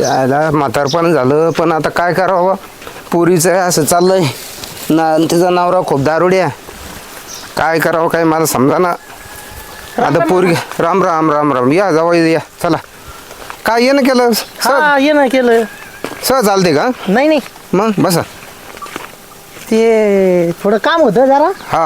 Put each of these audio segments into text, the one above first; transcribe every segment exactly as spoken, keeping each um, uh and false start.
त्याला म्हातारपण झालं पण आता काय करावं पुरीचं असं चाललंय ना तिचा नवरा खूप दारुड्या काय करावं काय मला समजा ना आता पोरगी राम राम राम राम या जावं या चला काय येणं केलं हा ये ना केलं सहज चालते का नाही नाही मग बसा ते थोडं काम होतं जरा हा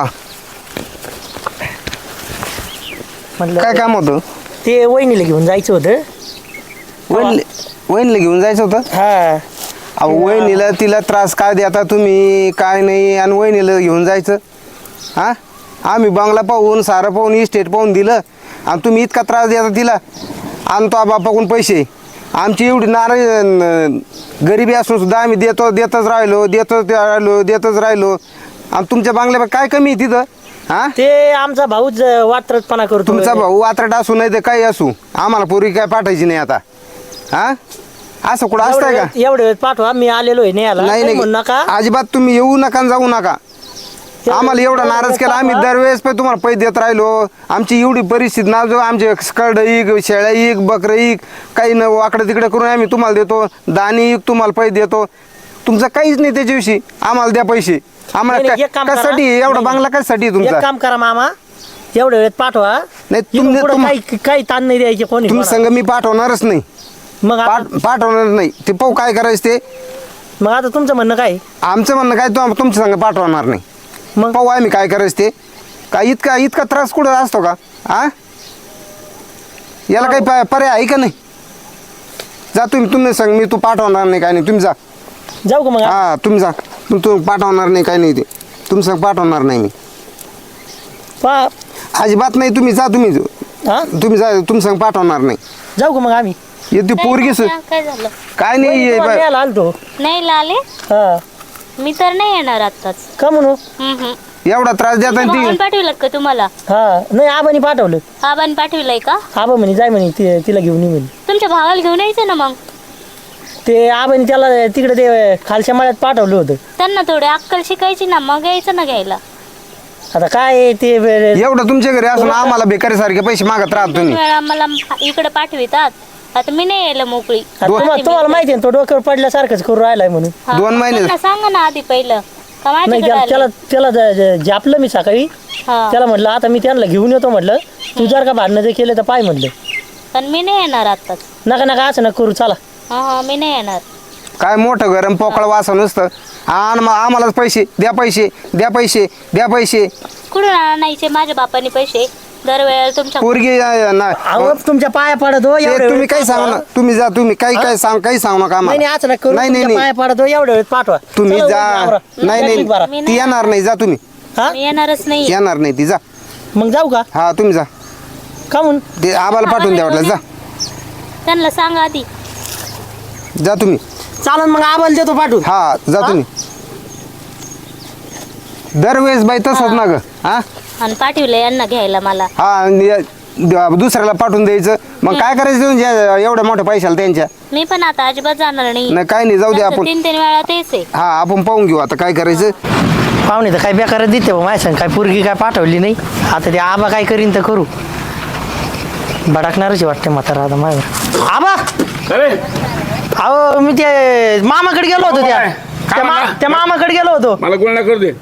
म्हटलं काय काम होतं ते वहिनीला घेऊन जायचं होतं वहिनी वहिनीला घेऊन जायचं होतं हा अहो वहिनीला तिला त्रास काय देता तुम्ही काय नाही आणि वहिनीला घेऊन जायचं हा आम्ही बंगला पाहून सारं पाहून इस्टेट पाहून दिलं आणि तुम्ही इतका त्रास देता तिला आणतो बापाकडून पैसे आमची एवढी नाराज गरिबी असून सुद्धा आम्ही देतो देतच राहिलो देतच राहिलो देतच राहिलो आणि तुमच्या बंगल्या काय कमी आहे तिथं हा ते आमचा भाऊच वात्रटपणा करतो तुमचा भाऊ वात्रट असू नाही तर काही असू आम्हाला पोरी काय पाठायची नाही आता हा असं कुठं असतंय का एवढे वेळ पाठवा मी आलेलो आहे न्यायला नाही म्हणू नाही नका अजिबात तुम्ही येऊ नका आणि जाऊ नका आम्हाला एवढा नाराज केला आम्ही दरवेळेस पण तुम्हाला पैसे देत राहिलो आमची एवढी परिस्थिती ना जो आमचे स्कर्ड इक शेळ्या इक बकरं इक काही न वाकडं तिकडे करून आम्ही तुम्हाला देतो दाणी इक तुम्हाला पैसे देतो तुमचं काहीच नाही त्याच्याविषयी आम्हाला द्या पैसे आम्हाला नाही, नाही, एक काय- काम करा. कशासाठी एवढा नाही, बांगला कशासाठी एक तुमचा काम करा मामा एवढ्या वेळेत पाठवा नाही, इथून तुमने- पुढं तुम- काही काही ताण नाही द्यायचे कोणी तुम्ही संग मी पाठवणारच नाही मग आता पाठ पाठवणार नाही ते पाहू काय करायचं ते मग आता तुमचं म्हणणं काय आमचं म्हणणं काय तो तुमच्या संग पाठवणार नाही मग पाहू आम्ही काय करायचं ते काय इतका इतका त्रास कुठं असतो का आ याला काही प- पर्याय आहे का नाही जा तुम्ही तुम्ही सांग मी तू पाठवणार नाही काय नाही तुम्ही जा जाऊ का मग हा तुम्ही जा तू तू पाठवणार नाही काय नाही ते तुम संग पाठवणार नाही मी पा अजिबात नाही तुम्ही जा तुम्ही हा तुम्ही जा तुम संग पाठवणार नाही जाऊ का मग आम्ही येते पोरगी सु- काय झालं काय नाही वहिनी हे तुम्हाला बा- न्यायला आलतो नाही लाले हा मी तर नाही येणार आताच का म्हणू एवढा त्रास देता आणि भाऊन ती पाठविलं का तुम्हाला हा नाही आबानी पाठवलं आबाने पाठविलंय का आबा म्हणे जाय म्हणे ति- तिला घेऊन ये म्हणे तुमच्या भावाला घेऊन यायचं ना मग ते आबानी त्याला तिकडे ते खालच्या माळ्यात पाठवलं होतं त्यांना थोडी अक्कल शिकायची ना मग यायचं ना घ्यायला आता काय आहे ते वे- एवढं तुमच्या घरी असून आम्हाला बेकारी सारखे पैसे मागत राहत दोन तुम्ही वेळा मला इकडे पाठवितात आता मी नाही यायला मोकळी आता तुम्हाला तुम्हाला माहिती आहे ना, तो डोक्यावर पडल्यासारखंच करू राहिलाय म्हणून हा, दोन महिने- त्यांना सांगा ना आधी पहिलं का नाही माझ्याकडे त्याला आले? त्याला त्याला ज- ज- जापलं मी सकाळी हा त्याला म्हटलं आता मी त्यांना घेऊन येतो म्हटलं तू जर का भांडणं जे केले तर पाय म्हटलं पण मी नाही येणार आताच नका नका असं नका करू चला हा हा मी नाही येणार काय मोठं गरम पोकळ वासा नुसतं आणि मग आम्हालाच पैसे द्या पैसे द्या पैसे द्या पैसे कुठून आणायचे माझ्या बापाने पैसे दरवेळेला तुमच्या पोरगी अं, ना- अहो तुमच्या पाया पडत हो ते एवढ्या तुम्ही वेळेत काही सांगा ना पाठवा. तुम्ही जा तुम्ही काही काही सांग काही सांगू नका नाही आम्हाला नाही असं नका करू नाही नाही तुमच्या नाही पाया पडत हो एवढ्या वेळेत पाठवा तुम्ही चला, जा आवरा. नाही बरं. नाही ती येणार नाही जा तुम्ही हा मी येणारच नाही येणार नाही ती जा मग जाऊ का हा तुम्ही जा का म्हणून ते आम्हाला पाठवून द्या वाटलं जा त्यांना सांगा आधी जा तुम्ही चालन मग आम्हाला देतो पाठवून हा जा तुम्ही दरवेळेस बाई तसंच ना ग हा आणि पाठविलं यांना घ्यायला मला हा आणि द- दुसऱ्याला पाठवून द्यायचं मग काय करायचं तुमच्या एवढ्या मोठ्या पैशाला त्यांच्या मी पण आता अजिबात जाणार नाही नाही काय नाही जाऊ दे त्यांचं आपण तीन तीन वेळा तेच आहे हा आपण पाहून घेऊ आता काय करायचं पाहुणे तर काय बेकार देते बा माझ्या संग काय पोरगी काय पाठवली नाही आता ते आबा काय करीन तर करू भडकणारच वाटते म्हातारा आता माझ्यावर आबा अरे अहो मी ते मामाकडे गेलो होतो त्या काय? त्या मा- म्हणला? त्या मामाकडे गेलो होतो मला गुन्हा करू दे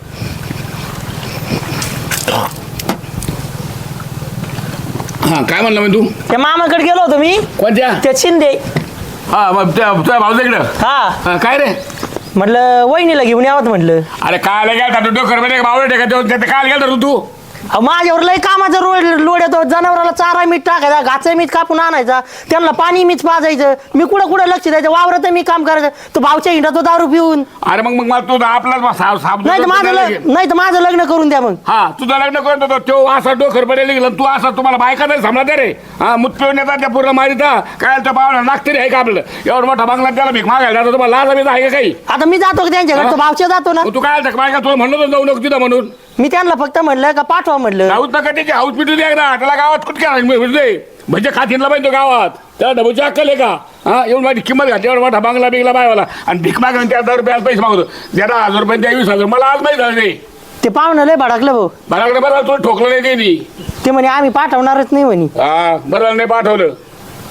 हा काय म्हणलं मी तू त्या मामाकडे गेलो होतो मी कोणत्या त्या शिंदे हा मग त्या तुझ्या भाऊच्या इकडं हा हा, काय रे म्हटलं वहिनीला घेऊन यावं म्हटलं अरे काय गेला तू डोकर मध्ये भाऊ टेका काय गेला तू तू अहो माझ्यावर लय कामाचा रोड लोड येतो जनावराला चारा मीठ टाकायचा घाचा मीठ कापून आणायचा त्यांना पाणी मीठ पाजायचं मी कुठं कुठं लक्ष द्यायचं वावरात मी काम करायचं तो भावच्या हिंडा तो दारू पिऊन अरे मग मग मला तू आपलाच साप साप नाही तर माझं लग्न नाही तर माझं लग्न करून द्या मग हा तुझं लग्न करत होतो तो असा डोकर पडेल गेला तू असा तुम्हाला बायका नाही समजा रे हा मुत पिऊन येतात त्या पूर्ण मारिता काय त्या पाहुणा नागतरी आहे का आपलं एवढं मोठा बंगला त्याला भीक मागायला जातो तुम्हाला लाज बीज आहे का काही आता मी जातो का त्यांच्याकडे तो भावच्या जातो ना मग तू काय आलता बायका तुला म्हणलं होतं जाऊ नको तिथं म्हणून मी त्यांना फक्त म्हणलं का पाठवा म्हणलं हाऊस नका त्याची हाऊस पिटू द्या ना त्याला गावात कुठे म्हणजे खातीनला पाहिजे तो गावात त्याला डबूची अक्कल आहे का हा एवढी माझी किंमत घातली एवढा मोठा बांगला बिंगला बायवाला आणि भीक माग त्या दहा रुपयाला पैसे मागतो त्या दहा हजार रुपये त्या वीस हजार मला आज माहिती झालं नाही ते पाहुणं लय भडकलं भाऊ बराकडे बरं तुला ठोकलं नाही त्यांनी ते म्हणे आम्ही पाठवणारच नाही म्हणे हा बरं नाही पाठवलं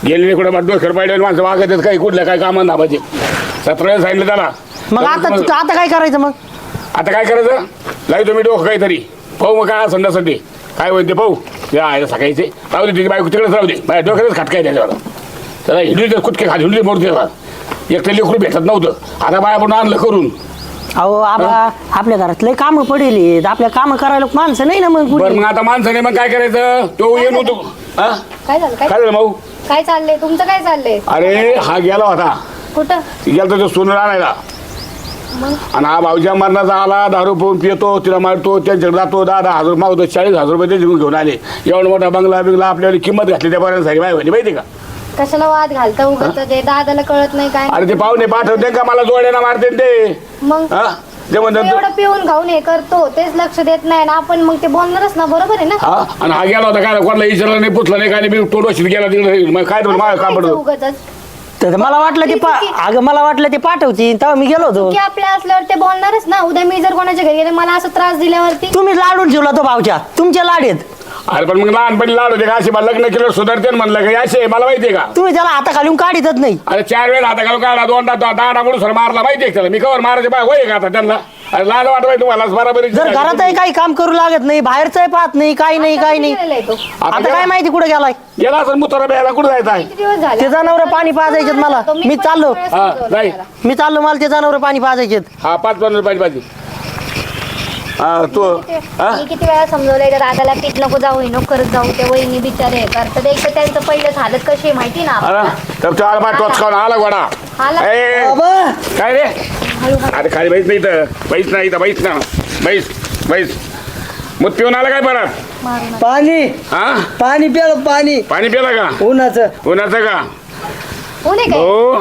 गेलेले कुठे मग डोक्यावर पाहिजे माणसं वागत काही कुठल्या काय कामं नाबाचे सतरा वेळेस सांगितलं त्याला मग आता आता काय करायचं मग आता काय करायचं लाई तुम्ही डोकं काहीतरी पाहू मग काय संध्यासाठी काय होईल ते पाहू ते आहे सकाळीचे राहू दे तिची बायको तिकडेच राहू दे माझ्या डोक्यातच खटकाय त्याच्यावर त्याला हिंडली कुठके खाली हिंडली मोडते एक तर लेकरू भेटत नव्हतं आता बाया पण आणलं करून अहो आबा आपल्या घरात लय कामं पडेल आपल्या कामं करायला माणसं नाही ना मग बरं कुठे मग आता माणसाने मग काय करायचं तो येऊन होतो हा काय झालं काय काय झालं भाऊ काय चाललंय तुमचं काय चाललंय अरे हा गेला होता कुठं गेला तो सोनं आणायला मग आणि हा भाऊच्या मरणाचा आला दारू पिऊन पितो तिला मारतो त्यांच्याकडे जातो दहा दहा हजार मागतो चाळीस हजार रुपये त्याच्याकडून घेऊन आले एवढा मोठा बंगला बिंगला आपल्याला किंमत घातली त्या पर्यंत बाय होती माहिती का कशाला वाद घालता उगत ते दादाला कळत नाही काय अरे ते पाहुणे पाठवते का मला जोड्याना मारते ते मग हा ते तो म्हणतात एवढं पिऊन खाऊन हे करतो तेच लक्ष देत नाही ना आपण मग ते बोलणारच ना बरोबर आहे ना हा आणि हा गेला होता काय कोणाला विचारलं नाही पुसलं नाही काय नाही टोडोशीत गेला तिकडे मग काय तुम्ही माझं काम पडतो उगतच तर मला वाटलं ते पा- अगं मला वाटलं ते पाठवती तेव्हा मी गेलो होतो की आपल्या असल्यावर ते बोलणारच ना उद्या मी जर कोणाच्या घरी गेले मला असं त्रास दिल्यावरती तुम्ही लाडून ठेवला तो भावच्या तुमचे लाड आहेत अरे पण मग लहानपणी लाड होते का असे मला लग्न केलं सुधारते ना म्हणलं का असे मला माहितीये का तुम्ही त्याला हाता घालून काढीतच नाही अरे चार वेळा हाता घालून काढा दोनदा दाडा म्हणून सर मारला माहितीये का त्याला मी कवर मारायचे बाय होय का आता त्यांना अरे लाज वाटवाय तुम्हाला बरोबर जर घरातही काही काम करू लागत नाही बाहेरचंही पाहत नाही काही नाही काही नाही गेलेला आहे तो. आता काय माहिती कुठे गेलाय गेला असं मुतारा प्यायला कुठं जायचं आहे किती दिवस झाले ते जनावर पाणी पाजायचे मला तो मी पण चाललो वेळेस हा समजवलं जाई त्याला. मी चाललो मला ते जनावर पाणी पाजायचे हा पाच पन्नास पाहिजे पाहिजे हा तू हा मी किती वेळा समजवलंय त्या दादाला पीठ नको जाऊ हे नको करत जाऊ त्या वहिनी बिचारे हे करतात एक तर त्यांचं पहिलंच हालत कशी आहे माहिती ना आला तर तो आला पाय टोच खाऊन आला गोडा आला. ए, काय रे हळू हळू. अरे खाली बैस नाही तर बैस नाही तर बैस ना बैस बैस मग पिऊन आला काय परत मारू नका. पाणी हा पाणी प्यालो पाणी पाणी पिला का उन्हाचं उन्हाचं का ऊन आहे काय हो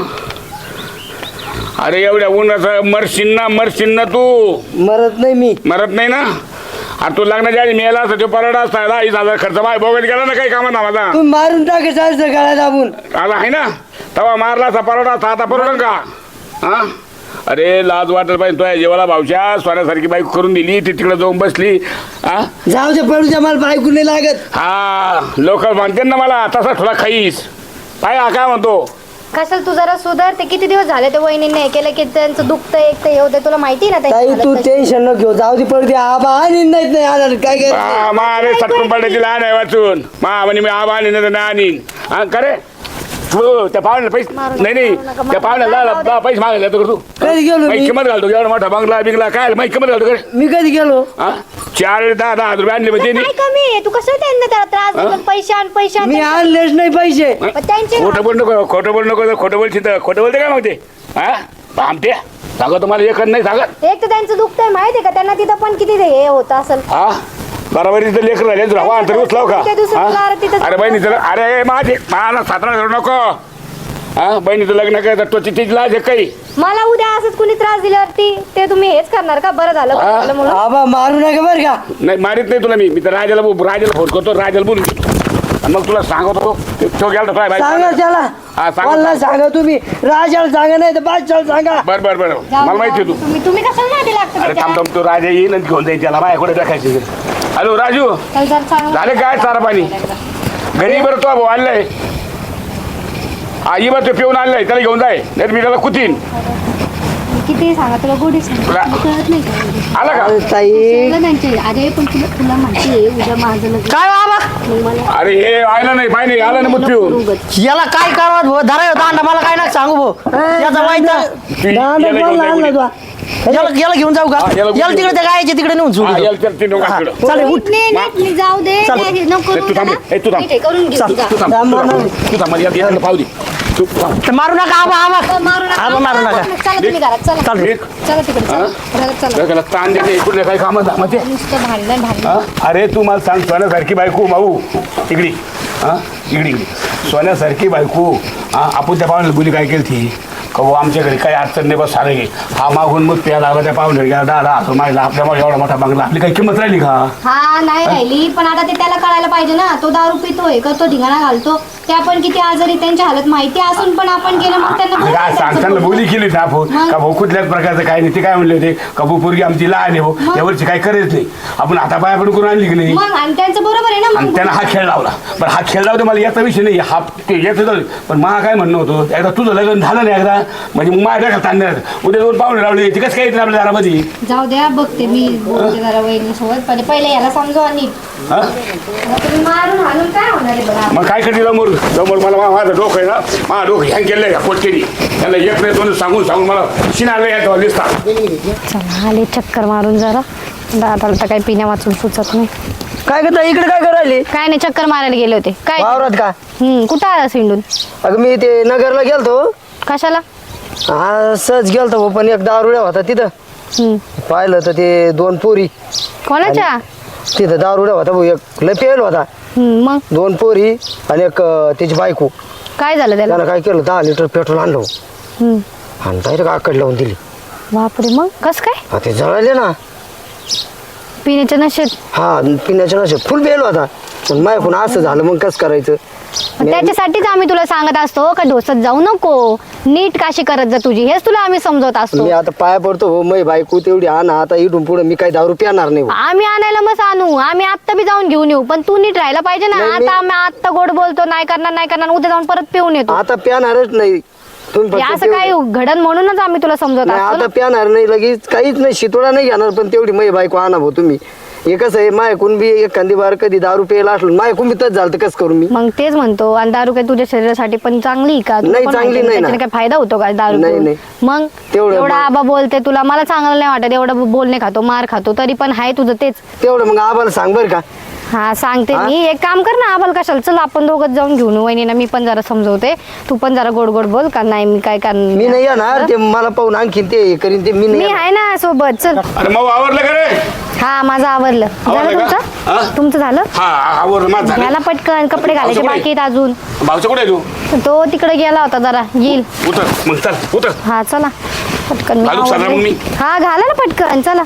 अरे एवढ्या उन्हाचं मरशील ना मरशील ना तू मरत नाही मी मरत नाही ना अरे तू लग्नाच्या आधी मेला असता तो परवडा असता दहा वीस हजार खर्च बाय बघत गेला ना काही कामात माझा तू मारून टाकायचं गळा दाबून आला आहे ना तेव्हा मारला असा परवडा असता आता परवडन का हा अरे लाज वाटत पाहिजे तो जेवाला भावच्या सोन्यासारखी बाईक करून दिली ती तिकडे जाऊन बसली हा जाऊ दे पडू द्या मला बायको नाही लागत हा लोक म्हणते ना मला तसा थोडा खाईस काय हा काय म्हणतो कशाला तू जरा सुधार ते किती दिवस झाले ते वहिनीने हे केलं की त्यांचं दुखतं एक तर हे होतं तुला माहिती ना ताई त्यांची तू हालत कशी. टेन्शन न घेऊ जाऊ दे पडू दे आबा आणि नाही नाही आला काय काय हा, मा अरे सटकून पडले तिला आहे वाचून मा म्हणे मी आबा आणि नाही आणीन हा करे तू त्या पाहुण्याला पैसे मारू नका, नाही नाही मारू नका, त्या पाहुण्याला मारू नका. पैसे मागायला तर तू कधी गेलो माहिती मी किंमत घालतो एवढा मोठा बंगला बिंगला काय माहिती किंमत घालतो करे मी कधी गेलो हा चार दहा दहा हजार रुपये आणले म्हणजे काय कमी आहे तू कसं त्यांना त्याला त्रास देतो पैसे आण पैसे आण मी आणलेच नाही पैसे पण त्यांचे खोटं बोल नको खोटं बोल नको तर खोटं बोलशील तर खोटं बोलते काय मग ते हा आमटे सांगा तुम्हाला एक नाही सांगत एक तर त्यांचं दुखतंय माहिती आहे का त्यांना तिथं पण किती ते हे होत असेल हा बरोबर तिथं लेकर राहिले तुला हवा अंतर उचलाव का त्या दिवशी तुला अरे तिथं- हा? अरे बहिणी तुला अरे माझे मला सातारा धरू नको हा बहिणीचं लग्न करायचं तो तिची लाज आहे काही मला उद्या असंच कुणी त्रास दिल्यावरती ते तुम्ही हेच करणार का बरं झालं बरं हा. झालं म्हणून आबा मारू नका बर का नाही मारित नाही तुला मी मी तर राजाला बो- राजाला फोन करतो राजाला बोलून घेतो. आणि मग तुला सांगतो तो- तो गेला तर काय सांगा बाई त्याला हा, सांगा. मला सांगा तुम्ही राजाला सांगा नाही तर बादशाला सांगा बर बर बर जाऊ मला दे, माहिती आहे तू तुम्ही तुम्ही कशाला मागे लागता अरे त्याच्या? थांब थांब तो राजा येईल आणि घेऊन जाईल त्याला बाय कुठे टाकायचे हॅलो राजू चल जरा चांगलं- झाले काय चारा पाणी घरी बरं तो भाऊ आणलाय आई बरं तो पिऊन आणलाय त्याला घेऊन जाय नाही मी त्याला कुतीन किती सांगा तुला गोडी सांगा तुला- तुला कळत नाही का आला का ताई सगळं त्यांचे अरे पण तुला तुला माहिती आहे उद्या माझं लग्न काय बाबा मग मला अरे हे आलं नाही पाहिजे आलं ना मग पिऊन उगाच. याला काय करावं भाऊ धरा दांडा मला काय ना सांगू भाऊ याचा वाईट तू दांडा याला घेऊन कोण जाय आणला कोणी. तुला याला याला घेऊन जाऊ का हा, याला याला तिकडे त्या गायच्या तिकडे नेऊन हा, सोडू याला चल, तीन डोंगर तिकडं. चालेल उठ नाही नाही मी जाऊ दे चल. नाही, नको ए, तू थांब ए, तू थांब. ठीक आहे, करून घे चल, तू जा. तू थांब थांब, तू थांब, थांब. तू थांब मला याला- याला पाहू दे तू थांब. तर मारू नका आबा आबा मारू नका आबा मारू नका चला तुम्ही घरात चला चालेल. एक. चला तिकडे चला घरात चला डोक्याला ताण देते कुठले काही कामं धामाचे नुसतं भांडण भांडण हा? अरे तू मला सांग सोन्यासारखी बायको माऊ इकडी हा इकडी इकडी सोन्यासारखी बायको हा आपण त्या पाहुण्याला बोली काय केली ती का भाऊ आमच्या घरी काही अडचण नाही बस सारं घे हा मागून मग प्याला आला त्या पाहुणे गेला दहा दहा असं माहिती आपल्यामुळे एवढा मोठा बंगला आपली काही किंमत राहिली का हा नाही राहिली पण आता ते त्याला कळायला पाहिजे ना तो दारू पितोय करतो ढिगाणा घालतो त्या पण किती आजारी, त्यांची हालत माहिती असून पण आपण केलं, मग त्यांना बरं काय वाटायचं. सांगताना बोली केली ना आपण मग? का भाऊ कुठल्याच प्रकारचं काय नाही. ते काय म्हणले होते का भाऊ पोरगी आमची लहान आहे भाऊ, मग? यावरची काही करत नाही. आपण आता पाया पडून करून आणली की नाही. मग आणि त्यांचं बरोबर आहे ना. आणि मग त्यानं हा खेळ लावला. पण हा खेळ लावतो मला याचा विषय नाही, हा ते याचं जाऊ दे. पण मला काय म्हणणं होतं, एकदा तुझं लग्न झालं नाही एकदा म्हणजे मग माझ्या डोक्यात ताण नाही राहत. उद्या दोन पाहुणे लावले ती कसं काय येतील आपल्या दारामध्ये. जाऊ द्या, बघते मी, बोलते जरा वहिनीसोबत. पहिले पहिले याला समजवा नीट. हा? आता तुम्ही मारून हाणून काय होणार आहे बघा. मग काय करते समोर समोर मला मा- माझं डोकं आहे ना, माझं डोकं ह्या केलं का कोटकेनी त्याला एक नाही दोन सांगून सांगून मला शिनाला यायचं दिसतात. चला आले चक्कर मारून जरा. दादाला तर काही पिण्या वाचून सुचत नाही. काय करता इकडे काय करायले काय नाही, चक्कर मारायला गेले होते. काय वावरात का? हम्म कुठं आला सिंडून? अगं मी ते नगरला गेलतो. कशाला? हा सहज गेलतो भाऊ, पण एक दारुड्या होता तिथं. हम्म पाहिलं तर ते दोन पोरी कोणाच्या? तिथं दारुड्या होता भाऊ. एक लय पेल होता, हम्म मग दोन पोरी आणि एक अं, त्याची बायको. काय झालं त्याला? त्यानं काय केलं, दहा लिटर पेट्रोल आणलं हम्म आणि डायरेक्ट आकड लावून दिली. बापरे, मग कस काय? हा ते जळाले ना. पिण्याच्या नशेत? हा पिण्याच्या नशेत फुल बेल होता. पण माझ्याकडून असं झालं, मग कसं करायचं. मग त्याच्यासाठीच आम्ही तुला सांगत असतो का ढोसत जाऊ नको, नीट काशी करत जा तुझी, हेच तुला आम्ही समजवत असतो. मी आता पाया पडतो हो, मै बायको तेवढी आणा. आता इथून पुढे मी काही दारू पिणार नाही हो. आम्ही आणायला मग आणू, आम्ही आत्ता बी जाऊन घेऊन येऊ, पण तू नीट राहायला पाहिजे ना. नाही, मी- आता आम्ही आत्ता गोड बोलतो, नाही करणार नाही करणार, उद्या जाऊन परत पिऊन येतो. आता प्यानारच नाही तुम्ही हे फक्त असं काय घडण म्हणूनच आम्ही तुला समजवत नाही, असतो आता ना. प्यानार नाही, लगेच काहीच नाही, शितोडा नाही घेणार. पण तेवढी मै बायको आणा भाऊ तुम्ही. हे कसं आहे, मायकून बी एखादी बार कधी दारू प्यायला असलो, मायकून बी तच झालं तर कसं करू मी. मग तेच म्हणतो, आणि दारू काय तुझ्या शरीरासाठी पण चांगली आहे का? तुला नाही, पण चांगली माहिती नाही ना. त्याच्याने काय फायदा होतो का दारू नाही, पिऊन? नाही. मग तेवढं एवढा मग- आबा बोलते तुला, मला चांगलं नाही वाटत, एवढं बोलणे खातो, मार खातो, तरी पण आहे तुझं तेच. तेवढं मग आम्हाला सांग बरं का. हा सांगते हा? मी. एक काम कर ना, आम्हाला कशाला, चल आपण दोघं जाऊन घेऊन येऊ. वहिनीला मी पण जरा समजवते, तू पण जरा गोड गोड बोल का. नाही मी काय करणार, मी नाही येणार, ते मला पाहून आणखीन ते हे करीन ते मी नाही मी येणार. आहे ना सोबत. चल. अरे मग आवरलं का रे? हा माझं आवरलं. झालं आवरलं का? तुमचं? हा? तुमचं झालं? हा आवरलं माझं झालं. घ्यायला पटकन, कपडे घालायचे भाऊचं बाकी आहेत अजून. भाऊचं कुठे आहे तू? तो तिकडे गेला होता जरा, येईल. उतर मग चल उतर. हा चला पटकन. मी घालू सगळं मग आवरते. मी? हा घाला ना पटकन, चला.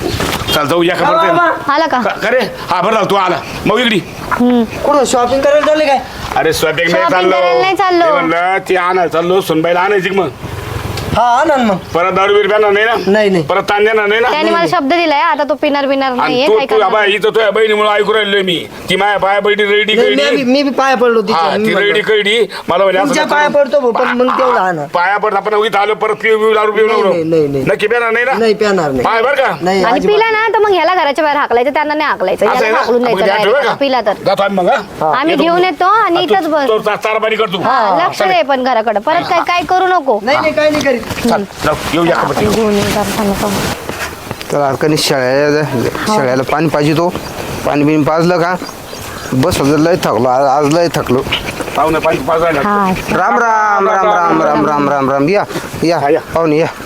चल जाऊ या खबर आला का? का रे? हा बरं झालं तू आला. मग इकडी कुठं शॉपिंग करायला चालले काय? अरे स्वयंपाक नाही Shopping चाललो. करायला नाही चाललो. ते म्हणलं ती आणायला चाललो, सुनबाईला आणायची का मग हा आणा ना मग. परत दारू बीर प्याणार नाही ना. नाही, नाही. परत ताण देणार नाही ना. त्याने मला शब्द दिलाय, आता तो पिणार बिणार आणि नाहीये. तू काय तू बाबा करणार? इथं तुझ्या बहिणीमुळे ऐकू राहिलोय मी. ती माझ्या पाया बैठी रेडी नाही, मी कळडी. बी- मी बी पाया पडलो तिच्या. हा मी ती म्हणलं, रेडी कळडी मला म्हणजे असं तुमच्या नको पाया करू. पडतो भाऊ, पण मग तेवढं आणा. पाया पडत आपण इथं आलो परत पिऊ बिऊ दारू पिऊ नाही, नको. नाही, नाही, नाही. नक्की पिणार नाही ना. नाही प्याणार नाही. पाय बर का. नाही आणि अजिबात. पिला ना तर मग ह्याला घराच्या बाहेर हाकलायचं, त्यांना नाही हाकलायचं, असं आहे याला ना? हाकलून मग द्यायचं ध्यान ठेव बरं direct. का? पिला तर जातो आम्ही मग हा? आम्ही येतो. घेऊन येतो आणि तू- इथंच बस. तू चाराबारी करतो. हा, लक्ष दे पण घराकडे, परत काय काय करू नको. नाही नाही काही नाही करीत. चल जाऊ येऊ या खबर. घेऊन येऊ जरा नको. तर अडकणी शेळ्या शेळ्याला पाणी पाहिजे, तो पाणी बिणी पाजलं का बस होतं. लय थकलो आज, आज लय थकलो. पाहुणे पाणी पाच राहिला. हा राम राम राम राम राम राम राम राम या या हा, या. पाहुणे या.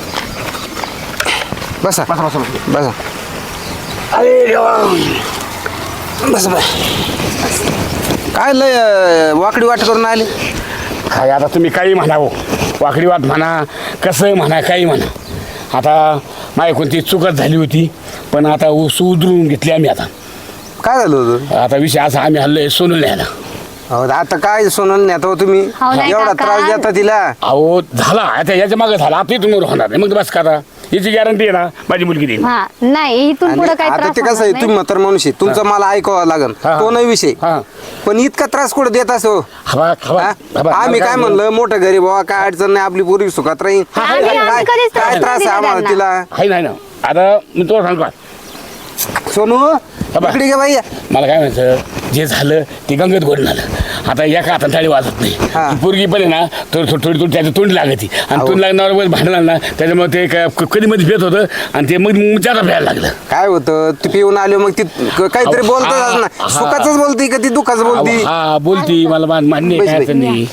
बसा बसा बसा बसा. बसा अरे देवा. बसा बस. काय लय अं, वाकडी वाट करून आले. काय आता तुम्ही काही म्हणा हो, वाकडी वाट म्हणा, कसं म्हणा, काही म्हणा. आता माझी कोणती चुकत झाली होती, पण आता ऊस उधळून घेतली आम्ही. आता काय झालं होतं? आता विषय असा, आम्ही हल्लोय सोनून न्यायला. अहो, आता काय सोनल नेता हो तुम्ही, हो नाही एवढा काका. त्रास देता तिला. अहो झाला आता, याच्या मागे झाला, आता इथून होणार नाही. मग बस का आता, याची गॅरंटी आहे ना माझी मुलगी देईन. हा नाही, इथून आणि पुढे काय आता त्रास ते कसं आहे, होणार तुम्ही म्हातार माणूस आहे, तुमचं मला ऐकावं लागन, हा, हा. तो नाही विषय. हा. पण इतका त्रास कुठं देत असो. हवा हवा हा? हवा. आम्ही काय म्हणलं, मोठं गरीब बाबा, काय अडचण नाही, आपली पूर्वी सुखात राहील. आम्ही- आम्ही काय कधीच त्रास काय त्रास आहे नाही आम्हाला दिला तिला. आहे नाही ना. आता मी तुला सांगतो, सोनू बाबा. इकडे घे बाई. मला काय म्हणायचं, जे झालं ते गंगत गोड झालं. आता एका हातात थाळी वाजत नाही. हा. ती पोरगी पण आहे ना, थोडी थोडी थोडी त्याची तोंड लागती, आणि अहो. तोंड लागण्यावर भांडणार ना, त्याच्यामुळे ते काय कधी मध्ये भेट होतं, आणि ते मग मग जादा प्यायला लागलं. काय होतं, ती पिऊन आलो मग ती क- काहीतरी अहो, बोलतच हा, ना, हा. सुखाच बोलती का ती दुःखाच बोलती. हा बोलती, मला मान- मान्य आहे, काय बैस, अडचण नाही.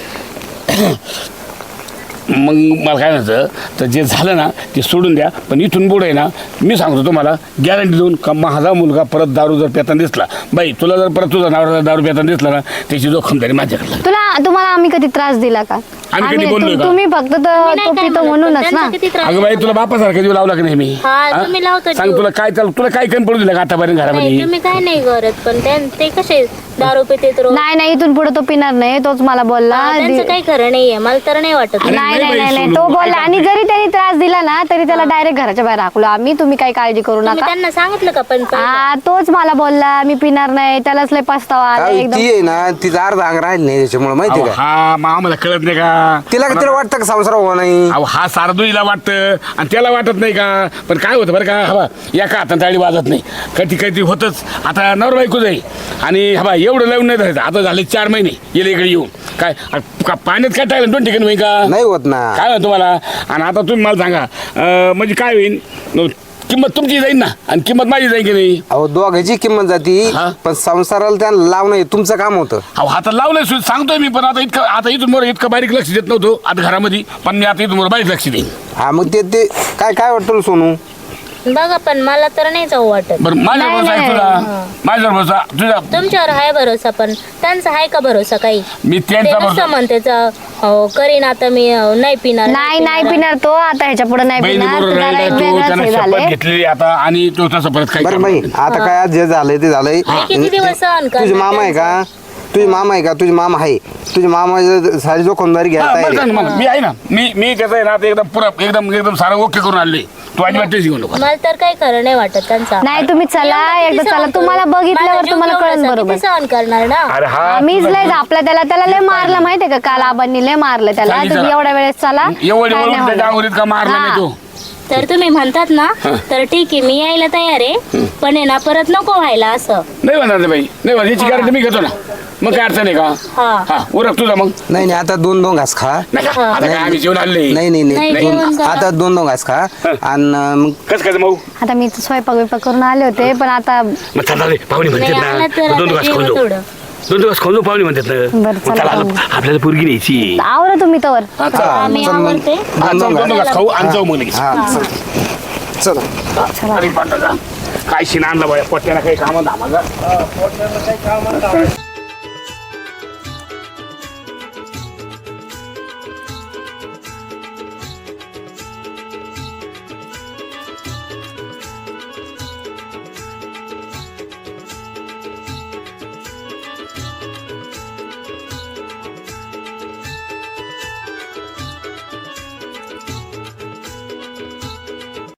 मग मला काय म्हणायचं, तर जे झालं ना ते सोडून द्या, पण इथून पुढे आहे ना, मी सांगतो तुम्हाला गॅरंटी देऊन का, माझा मुलगा परत दारू जर पेताना दिसला, बाई तुला जर परत तुझा नवरा दारू पेताना दिसला ना, त्याची जोखमदारी माझ्याकडे. तुला तुम्हाला आम्ही कधी त्रास दिला का? आम्ही कधी आम्ही बोललोय तु- का तुम्ही फक्त मी तो नाही तो काय पितो म्हणत, म्हणूनच पण ना त्यांचा किती त्रास अगं बाई तुला बापासारखं जीव लावला की नाही मी हा, हा? तुम्ही लावता सांग जीव. तुला काय चाल तुला काय कमी पडू दिलं का आतापर्यंत नाही घरामध्ये तुम्ही काय नाही करत पण त्यां- ते कसे दारू पितेत रोज नाही नाही इथून पुढे तो पिणार नाही तोच मला बोलला हा, त्यांचं दि- काही खरं नाहीये मला तर नाही वाटत अरे नाही नाही नाही बाई, नाही नाही सोनू, तो काय बोलला आणि करते? जरी त्यांनी त्रास दिला ना तरी त्याला डायरेक्ट घराच्या बाहेर हाकलो आम्ही तुम्ही काही काळजी करू तुम्ही नका त्यांना सांगितलं का पण पहिलं? हा तोच मला बोलला मी पिणार नाही त्यालाच लय पस्तावा आला काय एकदम ती आहे ना तिचा अर्धा अंग राहिली नाही त्याच्यामुळे माहिती अहो, का हा मग आम्हाला कळत नाही का तिला तिला वाटतं का संसार हो नाही अहो हा सारदुईला वाटतं आणि त्याला वाटत नाही का पण काय होतं बरं का हवा एका हातात ताळी वाजत नाही कधी कधी होतच आता नवर बायको जाई आणि हवा एवढं लावून नाही धरायचं आता झाले चार महिने येले इकडे येऊन काय आ, का पाण्यात काय टाकलं दोन ठिकाणी होईल का नाही होत ना काय होतं तुम्हाला आणि आता तुम्ही मला सांगा अं, म्हणजे काय होईल न, किंमत तुमची जाईल ना आणि किंमत माझी जाईल की नाही अहो दोघांची किंमत जाती हा? पण संसाराला त्यांना लावणं हे तुमचं काम होतं अहो आता लावलंय सुद्धा सांगतोय मी पण आता इतकं आता इथून मोर इतकं बारीक लक्ष देत नव्हतो आता घरामध्ये पण मी आता इथून मोर बारीक लक्ष देईन हा मग ते ते काय काय वाटतं तुला सोनू बघा पण मला तर नाही जाऊ वाटत बरं माझ्या नाही, भरोसा आहे नाही. तुला माझ्यावर भरोसा तुझ्या तुमच्यावर आहे भरोसा पण त्यांचा आहे का भरोसा काही मी ते त्यांचा नुसतं भरोसा म्हणते करीन आता मी अं, नाही पिणार नाही नाही पिणार तो आता ह्याच्या पुढे नाही बहिणी पिणार बरोबर त्याला राहिला एक तू वेगळंच त्यानं हे शपथ झालंय घेतलेली आता आणि तो तसं परत काही बरं काम बाई नाही. आता काय आज जे झालंय ते झालंय हे किती दिवस सहन तुझे करणार मामा आहे का तुझे मामा आहे का तुझे मामा आहे तुझे मामा सारी जोखमदारी हा, घ्यायला बरं तयार सांग आहे. मला. मी आहे ना मी मी त्याचं आहे ना आता एकदम पुरा एकदम एकदम सारं ओके करून आणले तू अजिबात टेन्शन घेऊ नको मला तर काही खरं नाही वाटत त्यांचा नाही तुम्ही चला एवढं किती एकदा चला सहन तुम्हाला करू? बघितल्यावर माझा जीव तुम्हाला कळेल एवढासा बरोबर किती सहन करणार ना अरे हा मीच तुला- लय आपला त्याला त्याला लय मारलं माहितीये का काल आबांनी लय मारलं त्याला चालेल, तुम्ही चला. एवढ्या वेळेस चला एवढी काय नाही वळून त्याच्या होणार. अंगुरीत का मारला हा. नाही तो तर तुम्ही म्हणतात ना तर ठीक आहे मी यायला तयार आहे पण आहे ना परत नको व्हायला असं नाही म्हणणार रे बाई नाही म्हणणार याची गॅरंटी मी घेतो ना मग काय अडचण आहे का हा हा उरक तुझा मग नाही नाही आता दोन दोन घास खा नाही का? आता काय आम्ही जेवण आणले नाही नाही नाही, नाही जेवण दोन- करा. आता दोन दोन घास खा आणि मग कसं काय मग आता मी तर स्वयंपाक बिपाक करून आले होते पण आता मग चला रे पाहुणे म्हणतात नाही आला तर ना दोन आता दिवस जेवण खाऊन जाऊ थोडं दोन दिवस खाऊन जाऊ पाहुणे म्हणतात ना बरं, मग चला चला पाहुणे. आता आपल्याला पोरगी न्यायची आवरा तुम्ही तवर हा, चला. आम्ही चल मग. आवडते हा, दोन जाऊ, दोन दोन घास दिवस खाऊ आणि जाऊ मग लगेच हा चल चला अरे पांडा काय शिना आणला बाया पोट्याला काही कामं धामाला